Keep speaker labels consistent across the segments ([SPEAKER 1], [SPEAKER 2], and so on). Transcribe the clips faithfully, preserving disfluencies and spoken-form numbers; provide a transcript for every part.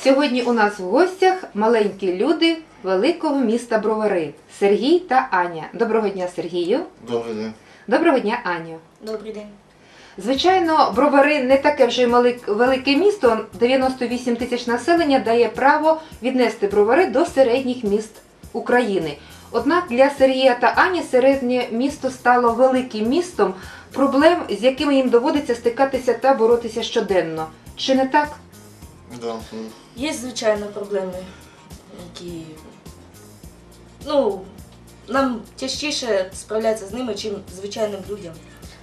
[SPEAKER 1] Сьогодні у нас в гостях маленькі люди великого міста Бровари – Сергій та Аня. Доброго дня, Сергію.
[SPEAKER 2] Добрий день.
[SPEAKER 1] Доброго дня, Аню.
[SPEAKER 3] Добрий день.
[SPEAKER 1] Звичайно, Бровари не таке вже велике місто, дев'яносто вісім тисяч населення дає право віднести Бровари до середніх міст України. Однак для Сергія та Ані середнє місто стало великим містом, проблем, з якими їм доводиться стикатися та боротися щоденно. Чи не так?
[SPEAKER 2] Да.
[SPEAKER 3] Є, звичайно, проблеми, які, ну, нам тяжчіше справлятися з ними, чим звичайним людям.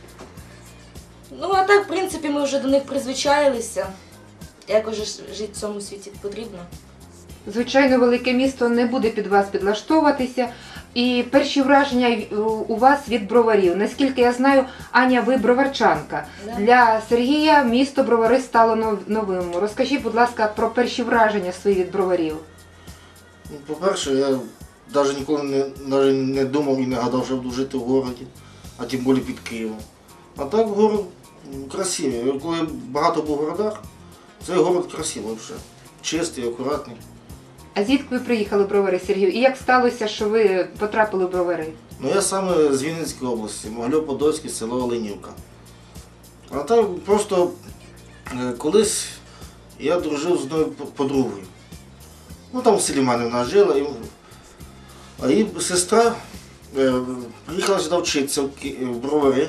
[SPEAKER 3] Ну, а так, в принципі, ми вже до них призвичаїлися. Якось же жити в цьому світі потрібно.
[SPEAKER 1] Звичайно, велике місто не буде під вас підлаштовуватися. І перші враження у вас від броварів. Наскільки я знаю, Аня, ви броварчанка.
[SPEAKER 3] Да.
[SPEAKER 1] Для Сергія місто Бровари стало новим. Розкажіть, будь ласка, про перші враження свої від броварів.
[SPEAKER 2] Ну, по-перше, я навіть ніколи не, навіть не думав і не гадав, що буду жити в городі, а тим більше під Києвом. А так город красивий. Я коли багато був в городах, цей город красивий вже. Чистий, акуратний.
[SPEAKER 1] А звідки ви приїхали в Бровари, Сергію? І як сталося, що ви потрапили в Бровари?
[SPEAKER 2] Ну я саме з Вінницької області, Могилів-Подольське, село Оленівка. А так просто е, колись я дружив з одною подругою. Ну там в селі в мене вона жила, і, а її сестра е, приїхала сюди вчитися в, Ки- в Бровари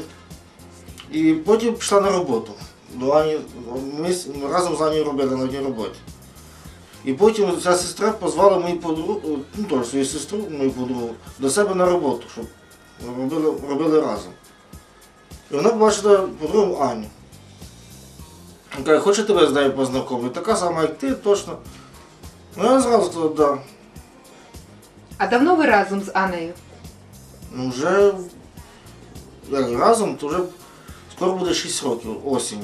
[SPEAKER 2] і потім пішла на роботу. До Ані, ми с- разом з Анією робили на одній роботі. І потім ця сестра позвала мою подругу, ну теж свою сестру, мою подругу, до себе на роботу, щоб робили, робили разом. І вона побачила подругу Аню. Вона каже, хочу тебе з нею познайомити, така сама, як ти, точно. Ну я зразу сказав, да.
[SPEAKER 1] А давно ви разом з Анею?
[SPEAKER 2] Ну вже як разом, то вже скоро буде шість років осінню.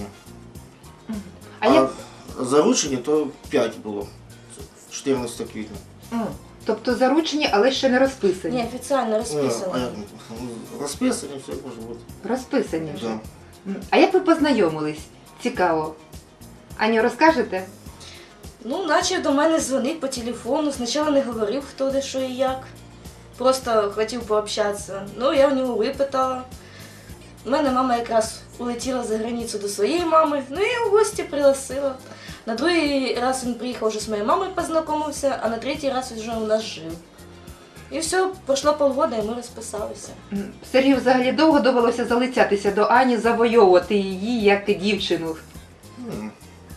[SPEAKER 1] А
[SPEAKER 2] А,
[SPEAKER 1] як...
[SPEAKER 2] заручені то п'ять було, чотирнадцятого квітня.
[SPEAKER 1] М, Тобто заручені, але ще не розписані?
[SPEAKER 3] Ні, офіційно
[SPEAKER 2] Ну, а
[SPEAKER 3] розписано.
[SPEAKER 2] як, розписані, все може бути.
[SPEAKER 1] Розписані вже.
[SPEAKER 2] Да.
[SPEAKER 1] М, А як ви познайомились? Цікаво. Аню, розкажете?
[SPEAKER 3] Ну, почав до мене дзвонити по телефону. Спочатку не говорив, хто де, що і як. Просто хотів пообщатися. Ну, я в нього випитала. У мене мама якраз улетіла за границю до своєї мами, ну я його в гості пригласила. На другий раз він приїхав вже з моєю мамою познайомився, а на третій раз він вже у нас жив. І все, пройшло полгода, і ми розписалися.
[SPEAKER 1] М, Сергію взагалі довго довелося залицятися до Ані, завойовувати її як дівчину?
[SPEAKER 2] М.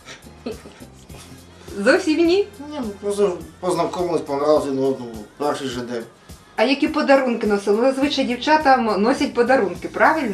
[SPEAKER 1] Зовсім ні?
[SPEAKER 2] Ні, ну просто познайомились, понравилось один одному, перший же день.
[SPEAKER 1] А які подарунки носили? Ну, зазвичай дівчатам носять подарунки, правильно?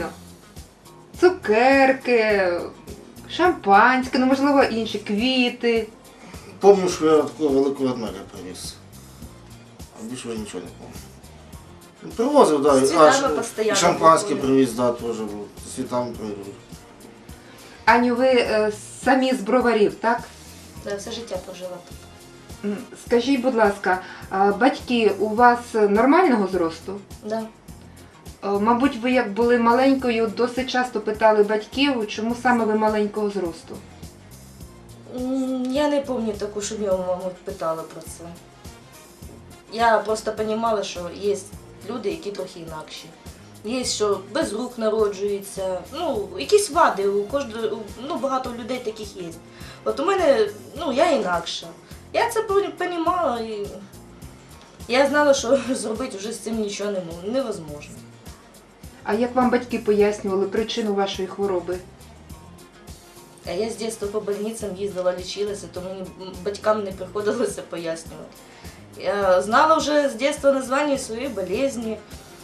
[SPEAKER 1] Цукерки, шампанське, ну можливо інші, квіти.
[SPEAKER 2] Пам'ятаю, що я такого великого ведмедя привіз. А більше я нічого не пам'ятаю. Ну, привозив, так.
[SPEAKER 3] З
[SPEAKER 2] Да,
[SPEAKER 3] цвітами
[SPEAKER 2] і
[SPEAKER 3] постійно
[SPEAKER 2] шампанське
[SPEAKER 3] були.
[SPEAKER 2] привіз, так, да, теж був. З цвітами привіз.
[SPEAKER 1] Аню, ви е, самі з Броварів, так?
[SPEAKER 3] Да, все життя прожила тут.
[SPEAKER 1] М, Скажіть, будь ласка, а батьки у вас нормального зросту?
[SPEAKER 3] Да.
[SPEAKER 1] Е, Мабуть, ви як були маленькою, досить часто питали батьків, чому саме ви маленького зросту?
[SPEAKER 3] М, Я не пам'ятаю таку, щоб я у маму питала про це. Я просто розуміла, що є люди, які трохи інакші. Є, що без рук народжуються, ну, якісь вади, у кожного, у- ну, багато людей таких є. От у мене, ну, я інакша. Я це розуміла і я знала, що зробити вже з цим нічого не мо- невозможно.
[SPEAKER 1] А як вам батьки пояснювали причину вашої хвороби?
[SPEAKER 3] А я з дитинства по больницям їздила, лічилася, то мені м, батькам не приходилося пояснювати. Я знала вже з дитинства названня своєї болезні.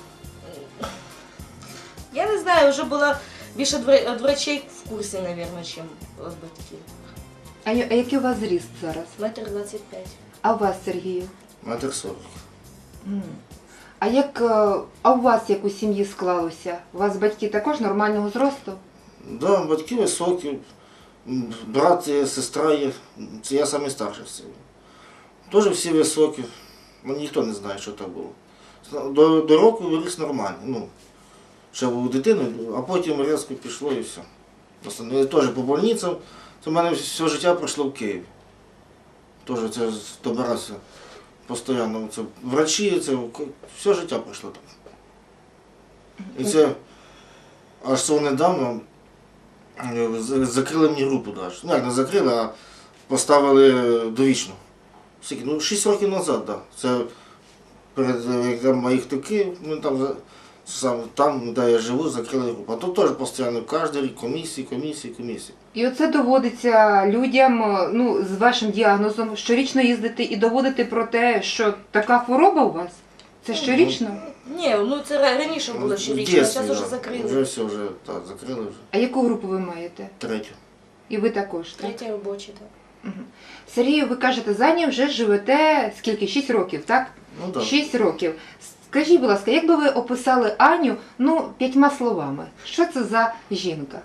[SPEAKER 3] Я не знаю, вже була більше від вра- від врачей в курсі, мабуть, ніж від батьків.
[SPEAKER 1] Аню, а який у вас зріст зараз?
[SPEAKER 3] Метр двадцять п'ять.
[SPEAKER 1] А у вас, Сергію?
[SPEAKER 2] Метр сорок.
[SPEAKER 1] М. А як е, а у вас як у сім'ї склалося? У вас батьки також нормального зросту?
[SPEAKER 2] Да, батьки високі, м, брат є, сестра є, це я самий старший в селі. Теж всі високі, ну, ніхто не знає, що так було. До, до року виріс нормально, ну, ще був дитиною, а потім різко пішло і все. Просто, ну, я теж по больницям, це в мене все життя пройшло в Києві. Теж це добирався постійно. Це врачі, це все життя пройшло так. І це аж цього недавно е, з- закрили мені групу навіть. Ну як не закрили, а поставили довічно. Скільки? Ну, шість років назад, так. Да. Це перед е, як там моїх токи, ну там за- сам там, де я живу, закрили групу. А тут теж постійно кожен рік комісії, комісії, комісії.
[SPEAKER 1] І оце доводиться людям, е, ну, з вашим діагнозом, щорічно їздити і доводити про те, що така хвороба у вас? Це щорічно?
[SPEAKER 3] Ні, ну це ра- раніше було щорічно, а зараз вже закрили.
[SPEAKER 2] Вже все, вже так, закрили вже.
[SPEAKER 1] А яку групу ви маєте?
[SPEAKER 2] Третю.
[SPEAKER 1] І ви також, так?
[SPEAKER 3] Третя робоча, так.
[SPEAKER 1] Мгм. Сергію, ви кажете, за ним вже живете скільки? Шість років, так?
[SPEAKER 2] Ну так.
[SPEAKER 1] Шість років. Скажіть, будь ласка, як би ви описали Аню, ну, п'ятьма словами? Що це за жінка?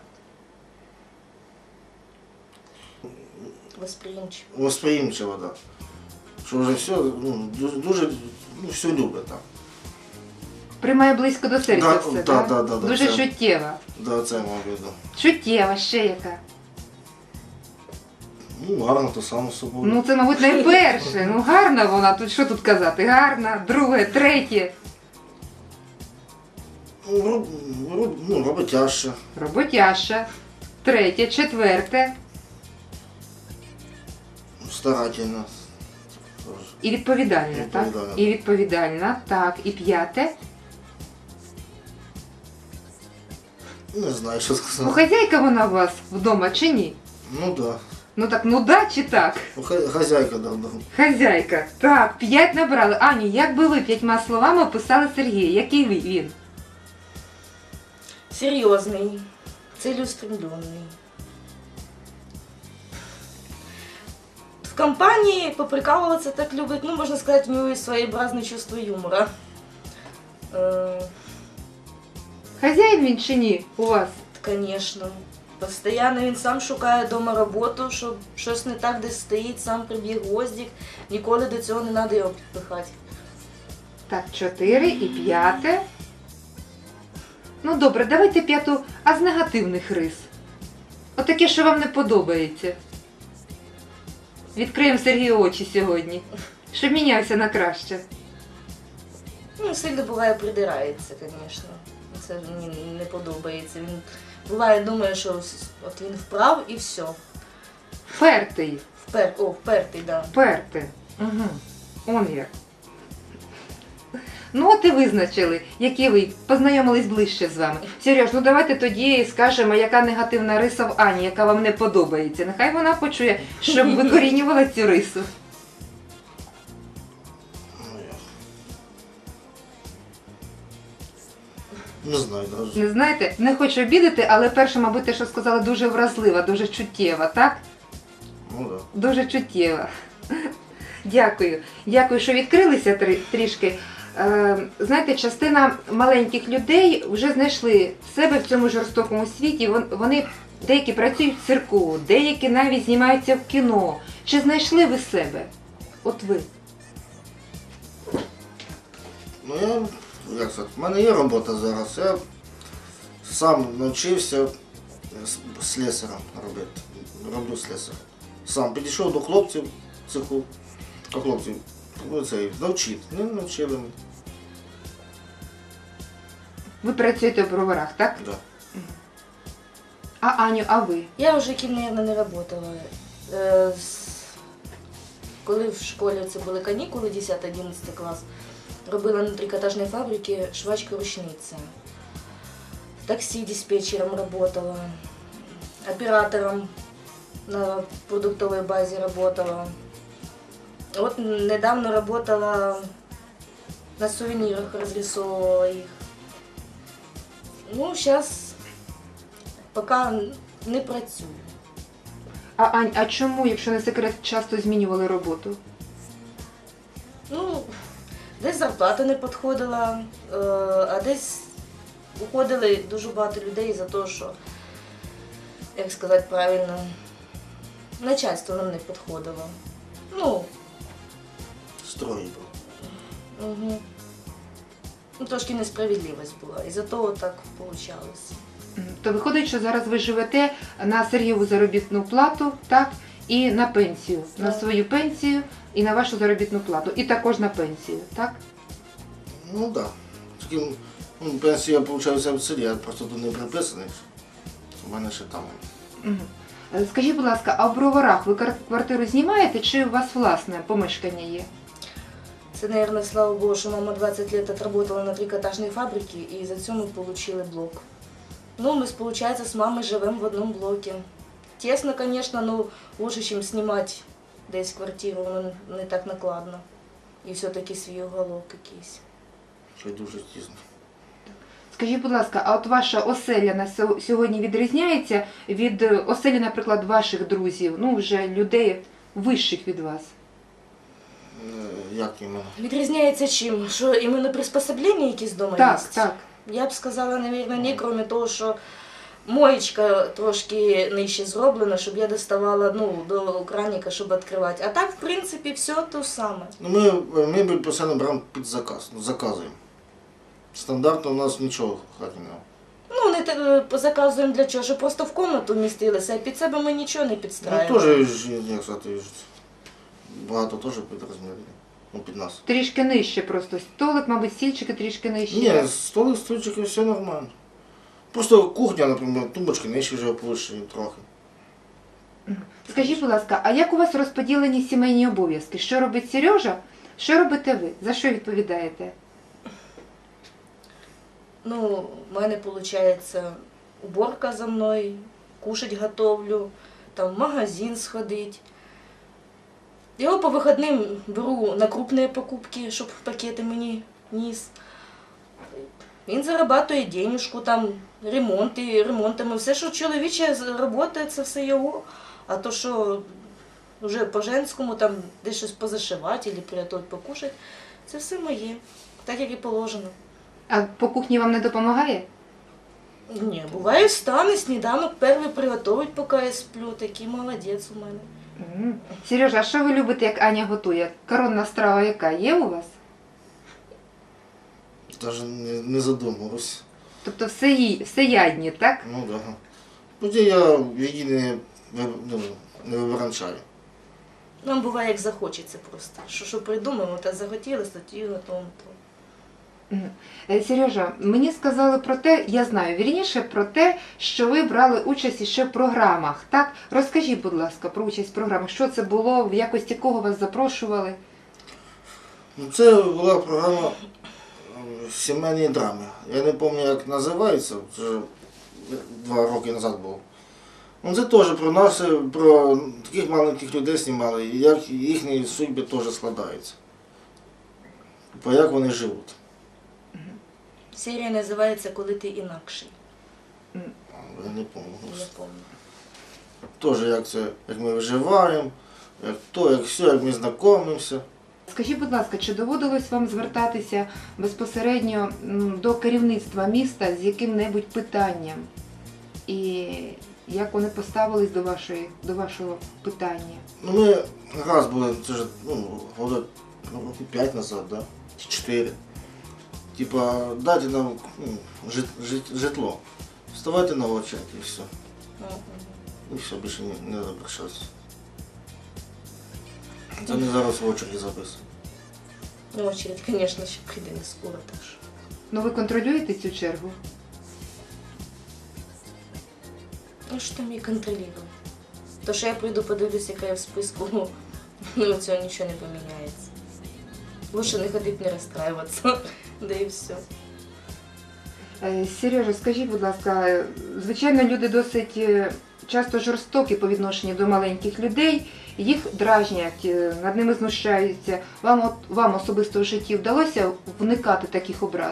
[SPEAKER 3] Восприємчиво.
[SPEAKER 2] Восприємчива, так. Що вже все, ну, дуже, дуже ну, все любить так.
[SPEAKER 1] Приймає близько до серця
[SPEAKER 2] Да,
[SPEAKER 1] все,
[SPEAKER 2] да,
[SPEAKER 1] так?
[SPEAKER 2] да, да, да,
[SPEAKER 1] Дуже
[SPEAKER 2] це-
[SPEAKER 1] чуттєва.
[SPEAKER 2] Да, це мав виду.
[SPEAKER 1] Чуттєва, ще яка?
[SPEAKER 2] Ну, гарно, то само собою.
[SPEAKER 1] Ну, це, мабуть, найперше. Ну, гарна вона, тут що тут казати? Гарна, друге, третє.
[SPEAKER 2] Ну, роб, роб, ну, роботяща.
[SPEAKER 1] Роботяша. Третє, четверте.
[SPEAKER 2] Старательна.
[SPEAKER 1] І відповідальна, так?
[SPEAKER 2] Відповідальна.
[SPEAKER 1] І відповідальна, так. І п'яте.
[SPEAKER 2] Не знаю, що
[SPEAKER 1] Ну,
[SPEAKER 2] сказати.
[SPEAKER 1] хазяйка вона у вас вдома чи ні?
[SPEAKER 2] Ну да.
[SPEAKER 1] Ну так, ну да чи так?
[SPEAKER 2] Ну, хай- хазяйка давно.
[SPEAKER 1] Хазяйка. Так, п'ять набрали. Аню, як би ви п'ятьма словами описали Сергія? Який ви- він?
[SPEAKER 3] Серйозний, цілеустремлений. В компанії поприкалуватися так любить, ну, можна сказати, у нього є своєобразне чувство юмора. Е,
[SPEAKER 1] Хазяїн він чи ні у вас?
[SPEAKER 3] Звісно. Постоянно він сам шукає вдома роботу, щоб щось не так десь стоїть, сам приб'є гвоздик. Ніколи до цього не треба його підпихати.
[SPEAKER 1] Так, чотири і п'яте. Ну добре, давайте п'яту, а з негативних рис. Отаке, що вам не подобається. Відкриємо Сергію очі сьогодні, щоб мінявся на краще.
[SPEAKER 3] Ну, сильно буває придирається, звісно. Це мені не подобається. Він буває думає, що ось- от він вправ і все.
[SPEAKER 1] Впертий,
[SPEAKER 3] Впер... О, впертий, так. Да.
[SPEAKER 1] впертий. Угу. Он як. Ну от і визначили, які ви познайомились ближче з вами. Сереж, ну давайте тоді скажемо, яка негативна риса в Ані, яка вам не подобається. Нехай вона почує, щоб викорінювала цю рису.
[SPEAKER 2] Ну, я... Не знаю навіть.
[SPEAKER 1] Не знаєте, не хочу обідати, але перше, мабуть, те, що сказала, дуже вразлива, дуже чуттєва, так?
[SPEAKER 2] Ну да.
[SPEAKER 1] Дуже чуттєва. Дякую. Дякую, що відкрилися трі- трішки. Е, знаєте, частина маленьких людей вже знайшли себе в цьому жорстокому світі. Вон- Вони деякі працюють в цирку, деякі навіть знімаються в кіно. Чи знайшли ви себе? От ви.
[SPEAKER 2] Ну я, як сказати, в мене є робота зараз. Я сам навчився с- слесарем робити. Роблю слесарем. Сам підійшов до хлопців в цеху. А хлопців, ну цей, навчити. Не навчили мене.
[SPEAKER 1] Ви працюєте в броварах, так?
[SPEAKER 2] Да.
[SPEAKER 1] А Аню, а ви?
[SPEAKER 3] Я вже ким, мабуть, не працювала. Е, з- Коли в школі це були канікули, десятий-одинадцятий клас, робила на трикотажній фабриці швачка-ручниця. В таксі диспетчером працювала, оператором на продуктовій базі працювала. От недавно працювала на сувенірах, розрисовувала їх. Ну, зараз поки не працюю.
[SPEAKER 1] А Ань, а чому, якщо не секрет, часто змінювали роботу?
[SPEAKER 3] Ну, десь зарплата не підходила, е, а десь уходили дуже багато людей за те, що, як сказати правильно, начальство нам не підходило. Ну,
[SPEAKER 2] Строї був.
[SPEAKER 3] угу. Ну, трошки несправедливість була, і за того так вийшло.
[SPEAKER 1] М, То виходить, що зараз ви живете на Сергієву заробітну плату, так? і на пенсію, на
[SPEAKER 3] Так.
[SPEAKER 1] свою пенсію і на вашу заробітну плату, і також на пенсію, так?
[SPEAKER 2] Ну так. Да. Тільки ну, пенсію я отримую в селі, я просто тут не приписаний. У мене ще там.
[SPEAKER 1] Мгм. Е, Скажіть, будь ласка, а в Броварах ви кар- квартиру знімаєте чи у вас власне помешкання є?
[SPEAKER 3] Це, наверное, слава Богу, що мама двадцять лет отработала на трикотажній фабриці і за це ми отримали блок. Ну, ми, виходить, з мамою живемо в одному блокі. Тесно, звісно, ну, лучше, ніж знімати десь квартиру, воно не так накладно. І все-таки свій уголок якийсь.
[SPEAKER 2] Що дуже тісно.
[SPEAKER 1] Скажіть, будь ласка, а от ваша оселя на сьо- сьогодні відрізняється від е, оселі, наприклад, ваших друзів, ну вже людей вищих від вас?
[SPEAKER 2] Е, Як іменно?
[SPEAKER 3] Відрізняється чим? Що іменно приспособлення якісь вдома є?
[SPEAKER 1] Так, так.
[SPEAKER 3] Я б сказала, мабуть, ні, крім того, що моєчка трошки нижче зроблена, щоб я доставала ну, до краника, щоб відкривати. А так, в принципі, все те саме.
[SPEAKER 2] Ну, ми е, мебель постійно беремо під заказ, ну, заказуємо. Стандартно у нас нічого в хаті немає.
[SPEAKER 3] Ну, не те- заказуємо для чого, щоб просто в кімнату вмістилися, а під себе ми нічого не
[SPEAKER 2] Ну,
[SPEAKER 3] підстраюємо.
[SPEAKER 2] теж, ж, як сказати, ж, багато теж під розмір. Ну, під нас.
[SPEAKER 1] Трішки нижче просто. Столик, мабуть, стільчики трішки нижче.
[SPEAKER 2] Ні, столик, стульчики, все нормально. Просто кухня, наприклад, тумбочки нижче вже повищені трохи.
[SPEAKER 1] Скажіть, будь ласка, а як у вас розподілені сімейні обов'язки? Що робить Сережа? Що робите ви? За що відповідаєте?
[SPEAKER 3] Ну, в мене виходить уборка за мною, кушать готовлю, там в магазин сходить. Його по вихідним беру на крупні покупки, щоб пакети мені ніс. Він зарабатує денежку, там ремонти, ремонтами. Все, що чоловіче робота, це все його. А то, що вже по-женському, там десь щось позашивати або приготувати покушати, це все моє, так як і положено.
[SPEAKER 1] А по кухні вам не допомагає?
[SPEAKER 3] Ні, буває встане, сніданок перший приготовить, поки я сплю. Такий молодець у мене.
[SPEAKER 1] М. Сережа, а що ви любите, як Аня готує? Коронна страва яка є у вас?
[SPEAKER 2] Навіть не, не задумувався.
[SPEAKER 1] Тобто все, ї- все ядні, так?
[SPEAKER 2] Ну так. Да. Тоді я в її не, ви- ну, не вибранчаю.
[SPEAKER 3] Нам буває, як захочеться просто. Що, що придумаємо, та захотілося, тоді готуємо то.
[SPEAKER 1] Мгм. Е, Сережа, мені сказали про те, я знаю, вірніше про те, що ви брали участь ще в програмах, так? Розкажіть, будь ласка, про участь в програмах. Що це було, в якості кого вас запрошували?
[SPEAKER 2] Ну, це була програма е, сімейні драми. Я не пам'ятаю, як називається, це вже два роки назад було. Ну, це теж про нас, е, про таких маленьких людей знімали, і як їхні судьби теж складаються. По як вони живуть.
[SPEAKER 3] Серія називається «Коли ти інакший».
[SPEAKER 2] Я не пам'ятаю.
[SPEAKER 3] Я пам'ятаю.
[SPEAKER 2] Теж як це, як ми виживаємо, як то, як все, як ми знайомимося.
[SPEAKER 1] Скажіть, будь ласка, чи доводилось вам звертатися безпосередньо м, до керівництва міста з яким-небудь питанням? І як вони поставились до, вашої, до вашого питання?
[SPEAKER 2] Ну, ми раз були, це ж, ну, года ну, років п'ять назад, да? Чи чотири. Типа, дайте нам ну, жит, жит, житло. Вставайте на очередь і все.
[SPEAKER 3] Мгм.
[SPEAKER 2] І все, більше не, не запрошуватися. Це не зараз в очереді записуємо.
[SPEAKER 3] Ну, очередь, звісно, ще прийде не скоро, так що.
[SPEAKER 1] Ну ви контролюєте цю чергу?
[SPEAKER 3] Ну, що там її контролювати? То, що я прийду, подивлюсь, яка я в списку, ну, цього нічого не поміняється. Лучше не ходити, не розстраюватися, да і все.
[SPEAKER 1] Е, Сережа, скажіть, будь ласка, е, звичайно, люди досить е, часто жорстокі по відношенню до маленьких людей, їх дражнять, е, над ними знущаються. Вам, от, вам особисто в житті вдалося уникати таких образ?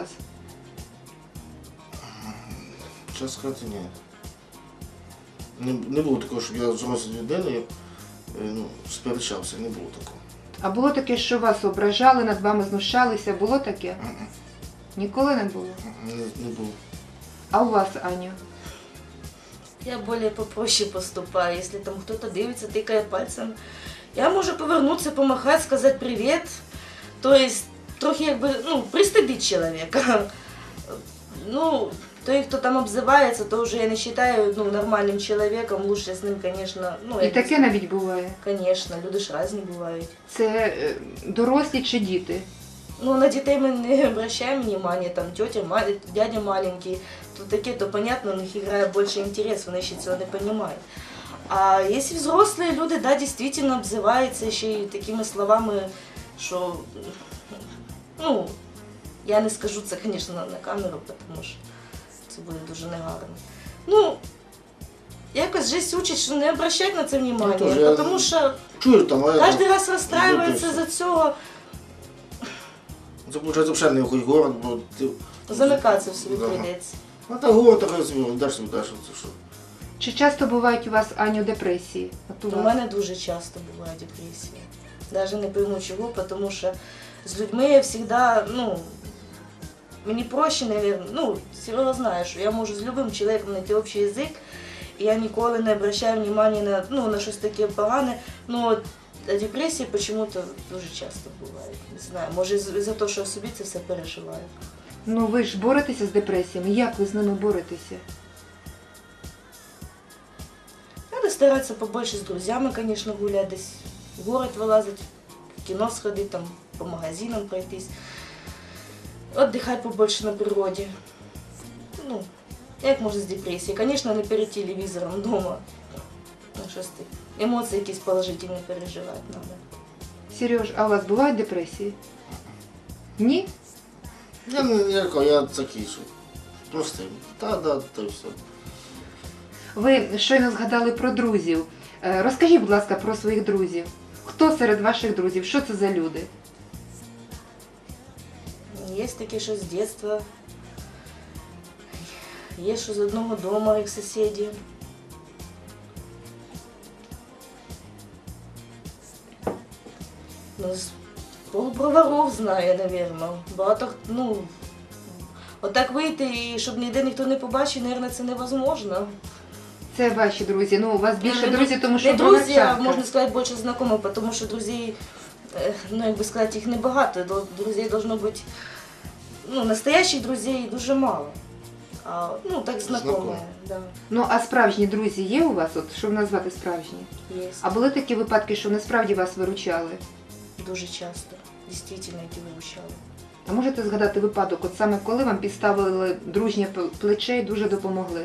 [SPEAKER 2] Чесно сказати, ні. Не, не було такого, щоб я з дорослою людиною е, ну, сперечався, не було такого.
[SPEAKER 1] А було таке, що вас ображали, над вами знущалися? Було таке?
[SPEAKER 2] Мгм.
[SPEAKER 1] Ніколи не було?
[SPEAKER 2] Не, не було.
[SPEAKER 1] А у вас, Аню?
[SPEAKER 3] Я більш попроще поступаю. Якщо там хтось дивиться, тикає пальцем, я можу повернутися, помахати, сказати привіт. Тобто, трохи якби, ну, пристыдить чоловіка. Ну, Той, кто там обзывается, то уже я не считаю ну, нормальным человеком, лучше с ним, конечно, ну,
[SPEAKER 1] І
[SPEAKER 3] я
[SPEAKER 1] таке
[SPEAKER 3] не
[SPEAKER 1] навіть буває.
[SPEAKER 3] знаю. Конечно, люди ж різні бувають.
[SPEAKER 1] Це е, дорослі чи діти?
[SPEAKER 3] Ну, на детей мы не обращаем внимания, там, тетя, ма- дядя маленький, то такие, то понятно, у них играет больше интерес, вони ще цього не понимают. А если взрослые люди, да, действительно обзываются еще и такими словами, что, ну, я не скажу це, конечно, на, на камеру, тому що це буде дуже негарно. Ну, якось жесть учить, що не обращать на це внимание,
[SPEAKER 2] Ну, тоже,
[SPEAKER 3] тому що
[SPEAKER 2] Чую там, а я
[SPEAKER 3] кожен
[SPEAKER 2] там-
[SPEAKER 3] раз розстраюється за цього,
[SPEAKER 2] Це, виходить, взагалі не якийсь город, бо ти...
[SPEAKER 3] замикатися в собі
[SPEAKER 2] Да.
[SPEAKER 3] прийдеться.
[SPEAKER 2] А так город так розумію, даш собі, даш, це що.
[SPEAKER 1] Чи часто бувають у вас, Аню, депресії? От у
[SPEAKER 3] У
[SPEAKER 1] вас?
[SPEAKER 3] мене дуже часто буває депресія. Навіть не пойму чого, тому що з людьми я завжди, ну, мені проще, наверное, ну, Серега знає, що я можу з любим чоловіком знайти общий язик, і я ніколи не обращаю внимання на, ну, на щось таке погане, ну, от, а депресії почему-то дуже часто буває. Не знаю, може за те, що я собі це все переживаю.
[SPEAKER 1] Ну ви ж боретеся з депресіями. Як ви з ними боретеся?
[SPEAKER 3] Надо старатися побольше з друзями, звісно, гуляти, десь в город вилазити, в кіно сходити, там, по магазинам пройтись. Отдыхать побольше на природі. Ну, як можна з депресії? Звісно, не перед телевізором вдома. Ну, щось ти. Емоції якісь положительні переживати треба.
[SPEAKER 1] Сереж, а у вас бувають депресії? Ні?
[SPEAKER 2] Я не я, кажу, я такий, що простий. Та, да, то й все.
[SPEAKER 1] Ви щойно згадали про друзів. Е, Розкажіть, будь ласка, про своїх друзів. Хто серед ваших друзів? Що це за люди?
[SPEAKER 3] Є такі, що з дитинства. Є, що з одного дому, як сусіди. Ну, з полуброваров знаю, напевно. Багато, ну, отак вийти, і щоб ніде ніхто не побачив, мабуть, це невозможно.
[SPEAKER 1] Це ваші друзі. Ну, у вас більше
[SPEAKER 3] Ну,
[SPEAKER 1] друзів, тому що
[SPEAKER 3] не друзі, а
[SPEAKER 1] броварчанка.
[SPEAKER 3] можна сказати, більше знайомих, тому що друзей, е, ну, як би сказати, їх небагато. До- Друзей должно бути, ну, настоящих друзей дуже мало. А, ну, так знайомі,
[SPEAKER 2] Знайомі.
[SPEAKER 3] да,
[SPEAKER 1] Ну, а справжні друзі є у вас? От, що назвати справжні?
[SPEAKER 3] є.
[SPEAKER 1] А були такі випадки, що насправді вас виручали?
[SPEAKER 3] Дуже часто, дійсно, які виручали.
[SPEAKER 1] А можете згадати випадок, от саме коли вам підставили дружнє п- плече і дуже допомогли?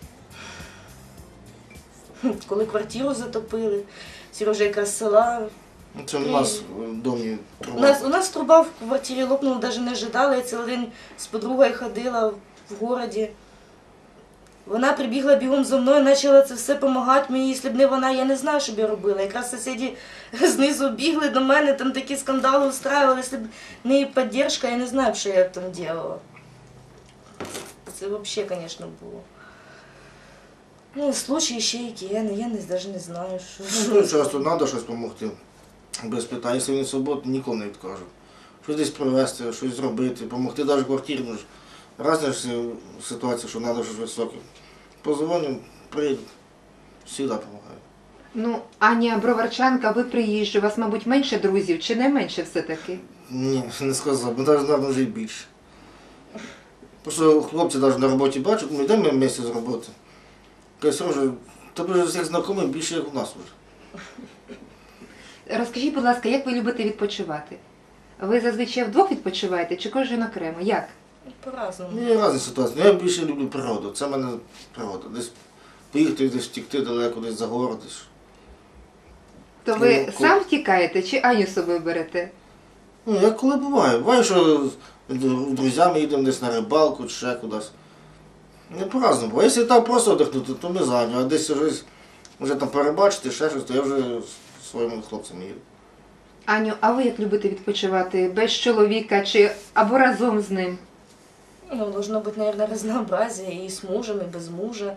[SPEAKER 3] Коли квартиру затопили, Сережа якраз з села.
[SPEAKER 2] Ну, це у нас в домі
[SPEAKER 3] У
[SPEAKER 2] труба.
[SPEAKER 3] нас, у нас труба в квартирі лопнула, навіть не ожидала. Я цілий день з подругою ходила в городі. Вона прибігла бігом за мною, почала це все допомагати мені. Якщо б не вона, я не знаю, що б я робила. Якраз сусіди знизу бігли до мене, там такі скандали устраювали. Якщо б не її підтримка, я не знаю, що я б там робила. Це взагалі, звісно, було. Ну, случаї ще які, я, не- я не, навіть не знаю, що.
[SPEAKER 2] Ну, дуже часто треба щось допомогти. Без питань, якщо він свободний, ніколи не відкажу. Щось десь привезти, щось зробити, допомогти навіть квартирі. Ну, ж Разні ж ситуації, що треба щось високе. Позвоню, прийду, завжди допомагаю.
[SPEAKER 1] Ну, Аня броварчанка, ви приїжджі, у вас, мабуть, менше друзів чи не менше все-таки?
[SPEAKER 2] Ні, не сказав, бо навіть, мабуть, вже й більше. Просто хлопці навіть на роботі бачать, ми йдемо місяць з роботи. Кажуть, Сережа, тебе ж всіх знайомих більше, як у нас вже.
[SPEAKER 1] Розкажіть, будь ласка, як ви любите відпочивати? Ви зазвичай вдвох відпочиваєте чи кожен окремо? Як?
[SPEAKER 3] По-разному.
[SPEAKER 2] Ну, є різні ситуації. Ну, я більше люблю природу. Це в мене природа. Десь поїхати, десь втікти далеко, десь за город. Десь.
[SPEAKER 1] То ви
[SPEAKER 2] Ну, ко-
[SPEAKER 1] сам втікаєте чи Аню з собою берете?
[SPEAKER 2] Ну, як коли буває. Буває, що з друзями їдемо десь на рибалку чи ще кудись. Не по-разному. Бо якщо там просто віддихнути, то ми за Аню. А десь вже, вже там перебачити, ще щось, то я вже з своїми хлопцями їду.
[SPEAKER 1] Аню, а ви як любите відпочивати? Без чоловіка чи або разом з ним?
[SPEAKER 3] Ну, должно быть, наверное, разнообразие и с мужем, и без мужа.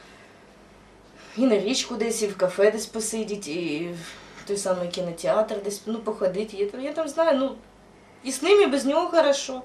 [SPEAKER 3] І на річку десь, і в кафе десь посидіти, і в той самий кінотеатр десь, ну, походити. Я, там- я там знаю, ну, і з ним, і без нього хорошо.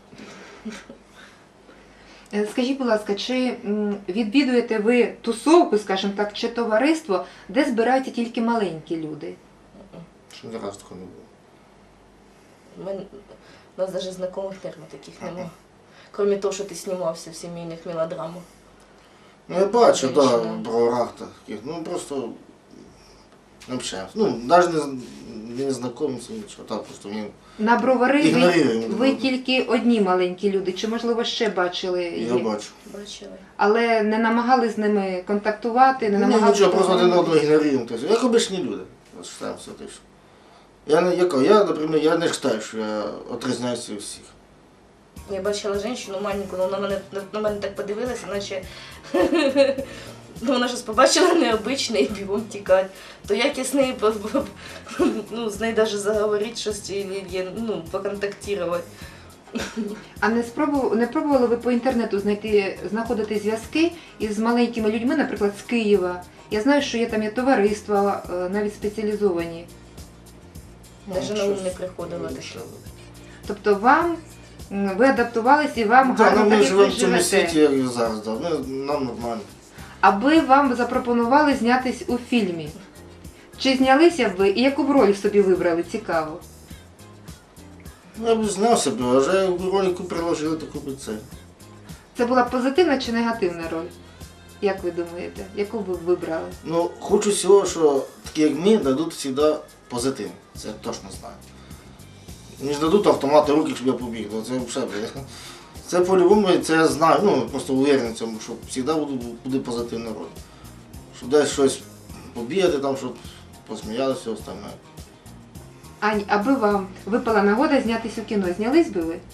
[SPEAKER 1] Е, Скажіть, будь ласка, чи м, відвідуєте ви тусовку, скажімо так, чи товариство, де збираються тільки маленькі люди?
[SPEAKER 2] Що ні разу такого не було.
[SPEAKER 3] Ми, у нас навіть знайомих термін таких немає. крім того, що ти знімався в сімейних мелодрамах.
[SPEAKER 2] Ну, я бачу, так,
[SPEAKER 3] Женщина.
[SPEAKER 2] да, в броварах таких, ну просто не общаємося. Ну, навіть не, з- не знайомимося, нічого, так, просто він
[SPEAKER 1] На бровари ви,
[SPEAKER 2] ігноруємо.
[SPEAKER 1] ви тільки одні маленькі люди, чи можливо ще бачили
[SPEAKER 2] Я
[SPEAKER 1] їх?
[SPEAKER 2] бачу.
[SPEAKER 3] Бачили.
[SPEAKER 1] Але не намагались з ними контактувати, не
[SPEAKER 2] Ні,
[SPEAKER 1] намагались...
[SPEAKER 2] нічого, просто один
[SPEAKER 1] познайомитись?
[SPEAKER 2] одного ігноруємо. Тобто, як обичні люди. Вважаємося, те, що. Я, не- я, кажу, я, наприклад, я не вважаю, що я отрізняюся від всіх.
[SPEAKER 3] Я бачила жінку маленьку, ну, вона мене, на мене так подивилася, наче ну, вона щось побачила необичне і бігом тікати. То як я з нею, по- по- ну, з нею навіть заговорити щось, і, ну, поконтактувати.
[SPEAKER 1] А не спробували, не пробували ви по інтернету знайти, знаходити зв'язки із маленькими людьми, наприклад, з Києва? Я знаю, що є там є товариства, е, навіть спеціалізовані.
[SPEAKER 3] Навіть на ум не приходило таке.
[SPEAKER 1] Тобто вам, м, ви адаптувались і вам
[SPEAKER 2] Так,
[SPEAKER 1] гарно
[SPEAKER 2] ну,
[SPEAKER 1] так,
[SPEAKER 2] ми
[SPEAKER 1] як ви
[SPEAKER 2] живемо в цьому
[SPEAKER 1] живете.
[SPEAKER 2] світі, як і зараз, да. ми, нам нормально.
[SPEAKER 1] Аби вам запропонували знятись у фільмі. Чи знялися б ви і яку б роль собі вибрали? Цікаво.
[SPEAKER 2] Ну, я б знав себе, а вже в ролику приложили таку би це.
[SPEAKER 1] Це була позитивна чи негативна роль? Як ви думаєте? Яку б ви вибрали?
[SPEAKER 2] Ну, хочу всього, що такі як ми дадуть завжди позитив. Це я точно знаю. Не ж дадуть автомати руки, щоб я побіг. Ну, це взагалі. Це по-любому, це я знаю, ну просто уверен в цьому, що завжди буде, буде позитивна роль. Щоб десь щось побігати, там, щоб посміялися, все остальне.
[SPEAKER 1] Ань, аби вам випала нагода знятись у кіно, знялись би ви?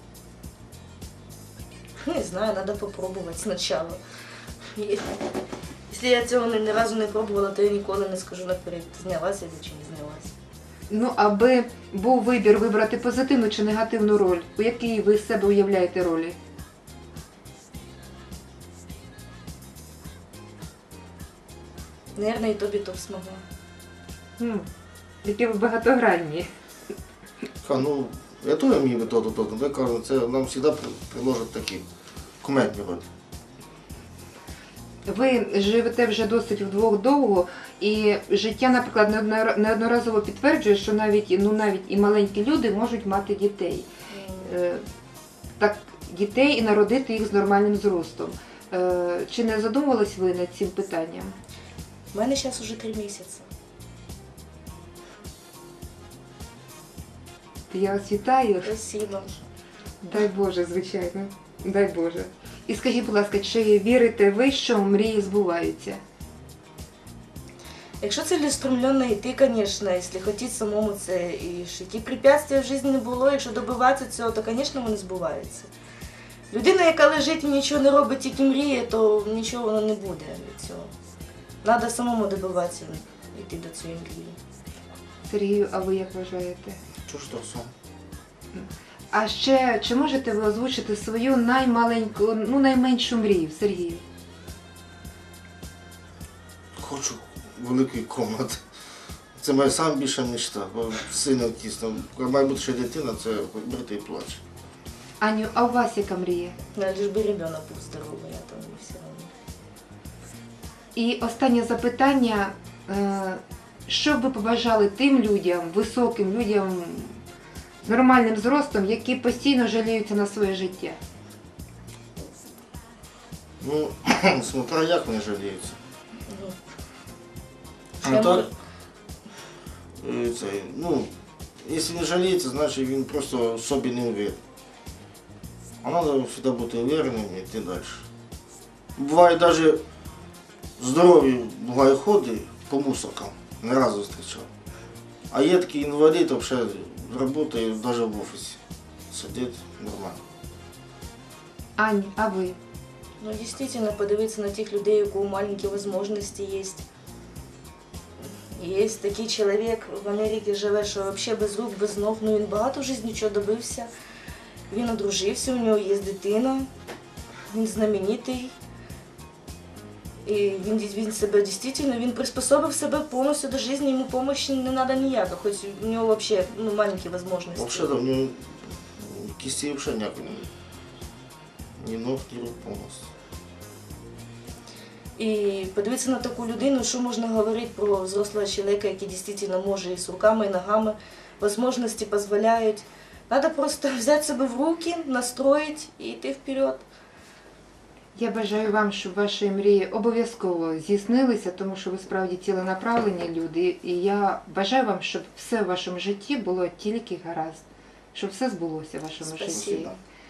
[SPEAKER 3] Не знаю, треба спробувати спочатку. І- Якщо я цього ні, ні разу не пробувала, то я ніколи не скажу наперед, знялася я чи не знялася.
[SPEAKER 1] Ну, аби був вибір вибрати позитивну чи негативну роль, у якій ви з себе уявляєте ролі?
[SPEAKER 3] Наверное, і тобі то б змогла.
[SPEAKER 1] Хм, які ви багатогранні.
[SPEAKER 2] Ха, ну, я теж вмію би то-то, то-то. Я кажу, це нам завжди приложать такі кумедні ролі.
[SPEAKER 1] Ви живете вже досить вдвох довго, і життя, наприклад, неоднора- неодноразово підтверджує, що навіть, ну, навіть і маленькі люди можуть мати дітей. Е, Так, дітей і народити їх з нормальним зростом. Е, Чи не задумувались ви над цим питанням?
[SPEAKER 3] У мене зараз уже три місяці.
[SPEAKER 1] Я вас вітаю.
[SPEAKER 3] Спасибо.
[SPEAKER 1] Дай Боже, звичайно. Дай Боже. І скажіть, будь ласка, чи вірите ви, що мрії збуваються?
[SPEAKER 3] Якщо цілеустремленно йти, звісно, якщо хотіти самому це, і ж які препятствия в житті не було, якщо добиватися цього, то, звісно, вони збуваються. Людина, яка лежить і нічого не робить, тільки мріє, то нічого воно не буде від цього. Треба самому добиватися, йти до цієї мрії.
[SPEAKER 1] Сергію, а ви як вважаєте?
[SPEAKER 2] Чого ж то все?
[SPEAKER 1] А ще, чи можете ви озвучити свою наймаленьку, ну найменшу мрію, Сергію?
[SPEAKER 2] Хочу великої кімнати. Це моя найбільша мечта. Бо сина тісно. Коли має бути ще дитина, це брати і плаче.
[SPEAKER 1] Аню, а у вас яка мрія?
[SPEAKER 3] Ну, лиш би ребенок був здоровий, а то не все одно.
[SPEAKER 1] І останнє запитання. Е, Що б ви побажали тим людям, високим людям з нормальним зростом, які постійно жаліються на своє життя?
[SPEAKER 2] Ну, смотря як вони жаліються.
[SPEAKER 3] Ну,
[SPEAKER 2] А
[SPEAKER 3] Ще
[SPEAKER 2] так,
[SPEAKER 3] може-
[SPEAKER 2] е, це, ну, якщо не жаліється, значить він просто в собі не уверен. А треба завжди бути уверенним і йти далі. Буває навіть здорові буває ходи по мусоркам, не разу зустрічав. А є такий інвалід, взагалі працює навіть в офісі. Сидить нормально.
[SPEAKER 1] Ань, а ви?
[SPEAKER 3] Ну, дійсно, подивитися на тих людей, у кого маленькі можливості є. Є такий чоловік в Америці живе, що взагалі без рук, без ног, ну він багато в житті нічого добився. Він одружився, у нього є дитина, він знаменитий. І він, він себе дійсно, він приспособив себе повністю до життя, йому допомоги не треба ніяка, хоч у нього взагалі ну, маленькі можливості.
[SPEAKER 2] Взагалі, в нього кисті взагалі ніякої немає. Ні ног, ні рук повністю.
[SPEAKER 3] І подивитися на таку людину, що можна говорити про взрослого чоловіка, який дійсно може і з руками, і ногами, можливості дозволяють. Треба просто взяти себе в руки, настроїть і йти вперед.
[SPEAKER 1] Я бажаю вам, щоб ваші мрії обов'язково здійснилися, тому що ви справді ціленаправлені люди. І я бажаю вам, щоб все в вашому житті було тільки гаразд, щоб все збулося в вашому житті.
[SPEAKER 3] Спасибо.